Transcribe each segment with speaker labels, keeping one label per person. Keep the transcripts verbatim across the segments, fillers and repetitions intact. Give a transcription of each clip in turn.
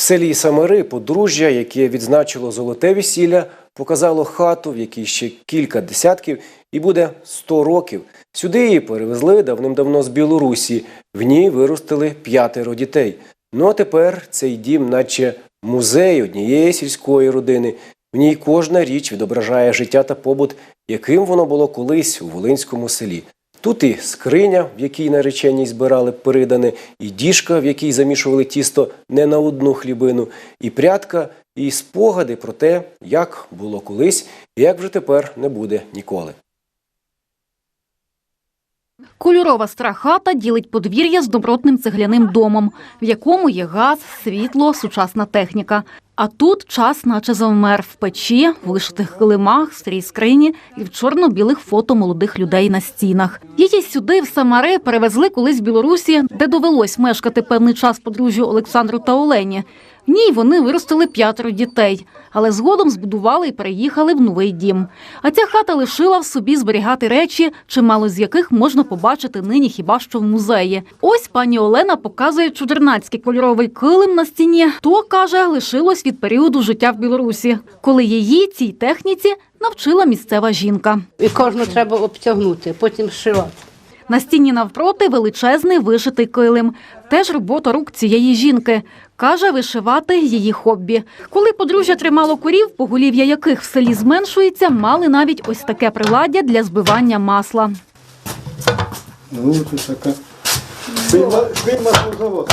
Speaker 1: селі Самари подружжя, яке відзначило золоте весілля, показало хату, в якій ще кілька десятків і буде сто років. Сюди її перевезли давним-давно з Білорусі. В ній виростили п'ятеро дітей. Ну а тепер цей дім наче музей однієї сільської родини. В ній кожна річ відображає життя та побут, яким воно було колись у Волинському селі. Тут і скриня, в якій наречені збирали перидане, і діжка, в якій замішували тісто не на одну хлібину, і прядка, і спогади про те, як було колись і як вже тепер не буде ніколи.
Speaker 2: Кольорова стара хата ділить подвір'я з добротним цегляним домом, в якому є газ, світло, сучасна техніка. А тут час наче завмер в печі, в вишитих килимах, старій скрині і в чорно-білих фото молодих людей на стінах. Її сюди, в Самари, перевезли колись з Білорусі, де довелось мешкати певний час подружжю Олександру та Олені. В ній вони виростили п'ятеро дітей, але згодом збудували і переїхали в новий дім. А ця хата лишила в собі зберігати речі, чимало з яких можна побачити нині хіба що в музеї. Ось пані Олена показує чудернацький кольоровий килим на стіні. То, каже, лишилось від періоду життя в Білорусі, коли її цій техніці навчила місцева жінка.
Speaker 3: І кожну треба обтягнути, потім зшивати.
Speaker 2: На стіні навпроти величезний вишитий килим. Теж робота рук цієї жінки. Каже, вишивати – її хобі. Коли подружжя тримало корів, поголів'я яких в селі зменшується, мали навіть ось таке приладдя для збивання масла.
Speaker 4: Ну, це така. Швий маслозавод.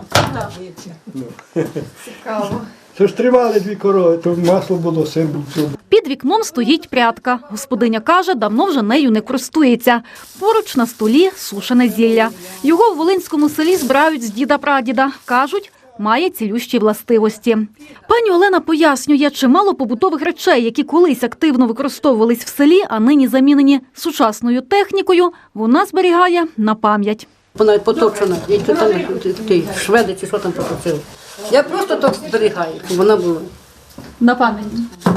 Speaker 5: Цікаво.
Speaker 4: Це ж тримали дві корови, то масло було, сир був.
Speaker 2: Під вікном стоїть прядка. Господиня каже, давно вже нею не користується. Поруч на столі сушене зілля. Його в Волинському селі збирають з діда-прадіда. Кажуть, має цілющі властивості. Пані Олена пояснює, чимало побутових речей, які колись активно використовувались в селі, а нині замінені сучасною технікою, вона зберігає на пам'ять.
Speaker 3: Вона поточена, і там ті шведи чи що там поточили. Я просто так зберігаю, щоб вона була.
Speaker 2: На пам'ять.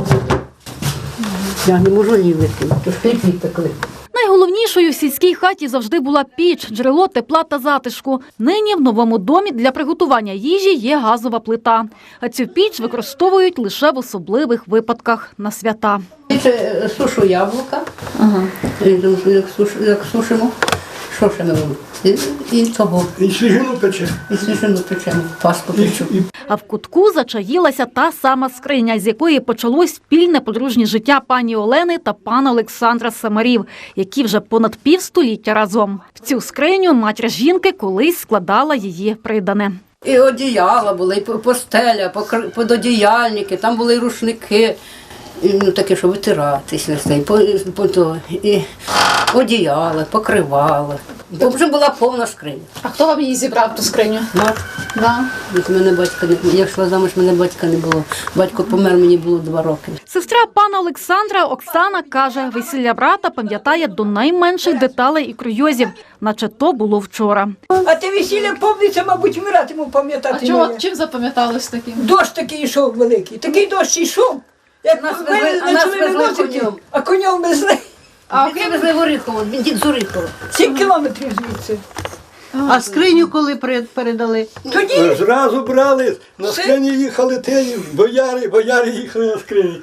Speaker 3: Я не можу її викинути, то ж п'ять відтекли.
Speaker 2: Найголовнішою в сільській хаті завжди була піч, джерело тепла та затишку. Нині в новому домі для приготування їжі є газова плита. А цю піч використовують лише в особливих випадках на свята.
Speaker 3: Це сушу яблука, ага. як, суш, як сушимо, що ще не робимо? І, і того.
Speaker 4: І свіжину пече.
Speaker 3: І свіжину печемо, паску печу.
Speaker 2: А в кутку зачаїлася та сама скриня, з якої почалось спільне подружнє життя пані Олени та пана Олександра Самарів, які вже понад півстоліття разом. В цю скриню матір жінки колись складала її придане.
Speaker 3: І одіяла були, і постеля, пододіяльники, там були і рушники, і, ну, таке, що витиратися, по, по, то, і одіяли, покривали. Бо вже була повна скриня.
Speaker 5: А хто вам її зібрав, ту скриню?
Speaker 3: Мать.
Speaker 5: Да.
Speaker 3: Від мене батька не я йшла замуж, мене батька не було. Батько помер, мені було два роки.
Speaker 2: Сестра пана Олександра Оксана каже, весілля брата пам'ятає до найменших деталей і курйозів, наче то було вчора.
Speaker 6: А те весілля повниться, мабуть, вмиратиму пам'ятати.
Speaker 5: А чого, чим запам'яталось таким?
Speaker 6: Дощ такий йшов великий, такий дощ йшов, як
Speaker 3: Нас
Speaker 6: ми
Speaker 3: везли- а нас
Speaker 6: почали
Speaker 3: везли
Speaker 6: виносити,
Speaker 3: конем.
Speaker 6: а конем везли.
Speaker 3: А він везли в Оріхово, він дід з Оріхова.
Speaker 6: Сім кілометрів звідси.
Speaker 7: А скриню коли перед- передали?
Speaker 6: Тоді
Speaker 4: Зразу брали, на скрині їхали теї, бояри, бояри їхали на скрині.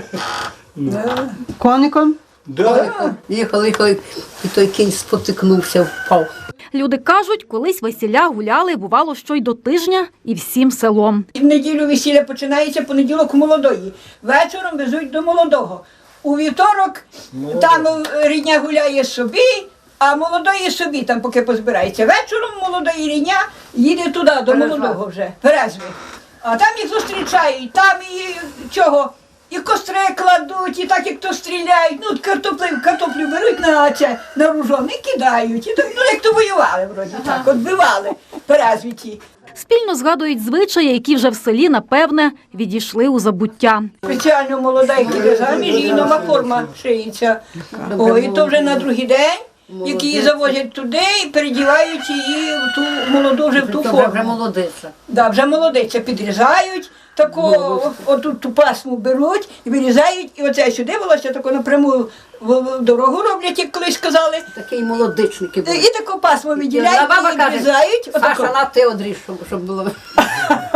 Speaker 7: Коником?
Speaker 4: Да.
Speaker 3: Їхали, їхали, і той кінь спотикнувся, впав.
Speaker 2: Люди кажуть, колись весілля гуляли, бувало, що й до тижня, і всім селом.
Speaker 6: в неділю весілля починається, понеділок у молодої. Вечором везуть до молодого. У вівторок там рідня гуляє собі, а молодої собі там поки позбирається. Вечором молодої рідня їде туди, до молодого вже, Перезви. А там їх зустрічають, там і чого, і костри кладуть, і так як то стріляють, ну картоплю, картоплю беруть на це, на ружон і кидають. І так, ну як то воювали, вроді так, от бивали Перезві ті.
Speaker 2: Спільно згадують звичаї, які вже в селі, напевне, відійшли у забуття.
Speaker 6: Спеціально молода, як іде заміж, їй нова форма шиється. О, і то вже на другий день, як її завозять туди і передівають її в ту молоду вже в ту
Speaker 3: Вже
Speaker 6: форму.
Speaker 3: молодиця.
Speaker 6: Да, вже молодиця підрізають, таку, отут ту пасму беруть і вирізають, і оце сюди волосся таку напряму в дорогу роблять, як колись казали.
Speaker 3: Такі молодичники були.
Speaker 6: І таку пасму відділяють,
Speaker 3: Баба
Speaker 6: і
Speaker 3: каже,
Speaker 6: відрізають.
Speaker 3: Саша, на ти одріж, щоб, щоб було.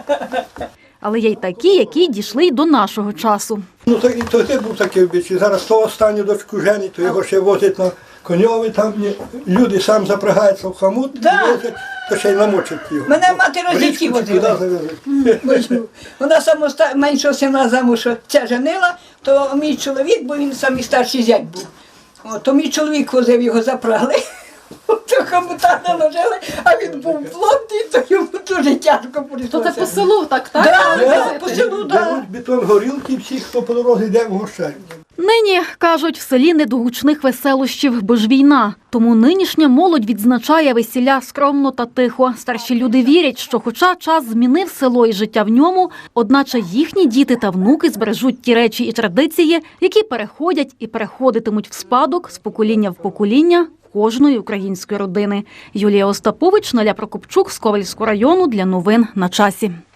Speaker 2: Але є й такі, які дійшли й до нашого часу.
Speaker 4: Ну, то, і то ти був такий обичай. Зараз то останню дочку жені, то його ще возять на коньові, там ні, люди сам запрягаються в хамут,
Speaker 6: Да.
Speaker 4: возять, то ще й намочать його.
Speaker 6: Мене мати
Speaker 4: В
Speaker 6: розвідки
Speaker 4: річку чи
Speaker 6: возила.
Speaker 4: куди завезуть.
Speaker 6: Бачу. Вона самоста... меншого сина замуж ця женила, то мій чоловік, бо він самий старший зять був. О, то мій чоловік возив, його запрягли. То хомута наложили, а він був плотний, то йому дуже тяжко
Speaker 5: То
Speaker 6: прийшлося.
Speaker 5: це по селу, так, так?
Speaker 6: Да, да,
Speaker 5: Возити?
Speaker 6: по селу, да.
Speaker 4: Беруть бетон горілки, всі, хто по дорозі йде, вгощають.
Speaker 2: Нині, кажуть, в селі не до гучних веселощів, бо ж війна. Тому нинішня молодь відзначає весілля скромно та тихо. Старші люди вірять, що хоча час змінив село і життя в ньому, одначе їхні діти та внуки збережуть ті речі і традиції, які переходять і переходитимуть в спадок з покоління в покоління кожної української родини. Юлія Остапович, Наля Прокопчук з Ковальського району для новин на часі.